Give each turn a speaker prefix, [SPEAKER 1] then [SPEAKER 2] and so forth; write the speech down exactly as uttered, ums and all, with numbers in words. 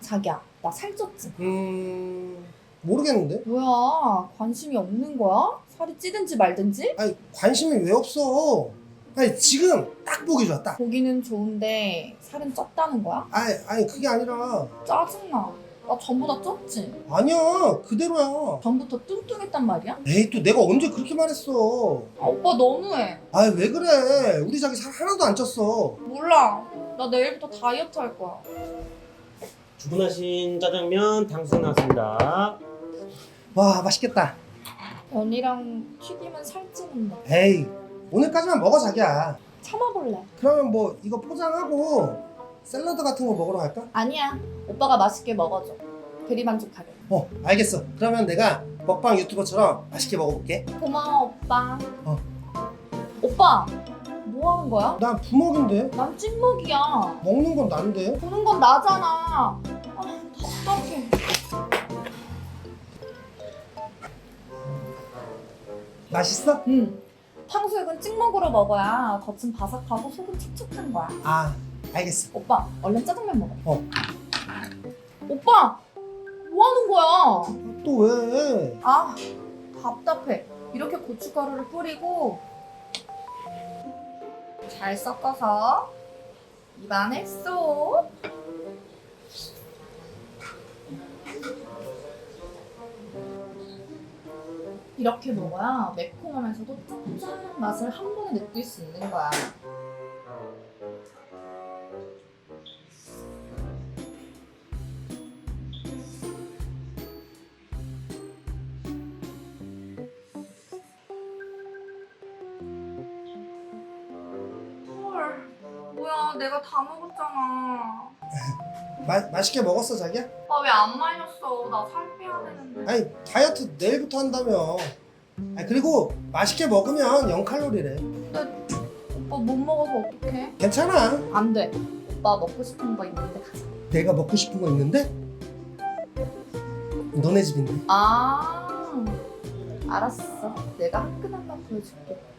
[SPEAKER 1] 자기야, 나 살쪘지?
[SPEAKER 2] 음... 모르겠는데?
[SPEAKER 1] 뭐야, 관심이 없는 거야? 살이 찌든지 말든지?
[SPEAKER 2] 아니 관심이 왜 없어? 아니 지금 딱 보기 좋아 딱.
[SPEAKER 1] 보기는 좋은데 살은 쪘다는 거야?
[SPEAKER 2] 아니 아니 그게 아니라
[SPEAKER 1] 짜증나. 나 전보다 쪘지?
[SPEAKER 2] 아니야 그대로야.
[SPEAKER 1] 전부터 뚱뚱했단 말이야?
[SPEAKER 2] 에이 또 내가 언제 그렇게 말했어?
[SPEAKER 1] 아, 오빠 너무해.
[SPEAKER 2] 아이 왜 그래? 우리 자기 살 하나도 안 쪘어.
[SPEAKER 1] 몰라. 나 내일부터 다이어트 할 거야.
[SPEAKER 3] 주문하신 짜장면 탕수육 나왔습니다.
[SPEAKER 2] 와 맛있겠다.
[SPEAKER 1] 면이랑 튀김은 살찌는데.
[SPEAKER 2] 에이 오늘까지만 먹어 자기야.
[SPEAKER 1] 참아볼래.
[SPEAKER 2] 그러면 뭐 이거 포장하고 샐러드 같은 거 먹으러 갈까?
[SPEAKER 1] 아니야. 오빠가 맛있게 먹어줘. 대리만족하게.
[SPEAKER 2] 어 알겠어. 그러면 내가 먹방 유튜버처럼 맛있게 먹어볼게.
[SPEAKER 1] 고마워, 오빠.
[SPEAKER 2] 어.
[SPEAKER 1] 오빠, 뭐 하는 거야?
[SPEAKER 2] 난 부먹인데
[SPEAKER 1] 난 찍먹이야.
[SPEAKER 2] 먹는 건 난데.
[SPEAKER 1] 보는 건 나잖아. 아, 답답해.
[SPEAKER 2] 맛있어?
[SPEAKER 1] 응. 탕수육은 찍먹으로 먹어야 겉은 바삭하고 속은 촉촉한 거야.
[SPEAKER 2] 아 알겠어.
[SPEAKER 1] 오빠, 얼른 짜장면 먹어.
[SPEAKER 2] 어.
[SPEAKER 1] 오빠, 뭐 하는 거야?
[SPEAKER 2] 또 왜?
[SPEAKER 1] 아, 답답해. 이렇게 고춧가루를 뿌리고 잘 섞어서 입 안에 쏙. 이렇게 먹어야 매콤하면서도 짭짤한 맛을 한 번에 느낄 수 있는 거야. 헐, 뭐야, 내가 다 먹었잖아.
[SPEAKER 2] 마, 맛있게 먹었어 자기야?
[SPEAKER 1] 아, 왜 안 말렸어? 나 살 빼야 되는데.
[SPEAKER 2] 아니 다이어트 내일부터 한다며. 아니 그리고 맛있게 먹으면 영 칼로리래.
[SPEAKER 1] 근데 오빠 못 먹어서 어떡해?
[SPEAKER 2] 괜찮아.
[SPEAKER 1] 안 돼. 오빠 먹고 싶은 거 있는데 가자.
[SPEAKER 2] 내가 먹고 싶은 거 있는데? 너네 집인데.
[SPEAKER 1] 아, 알았어. 내가 화끈한 맛 보여줄게.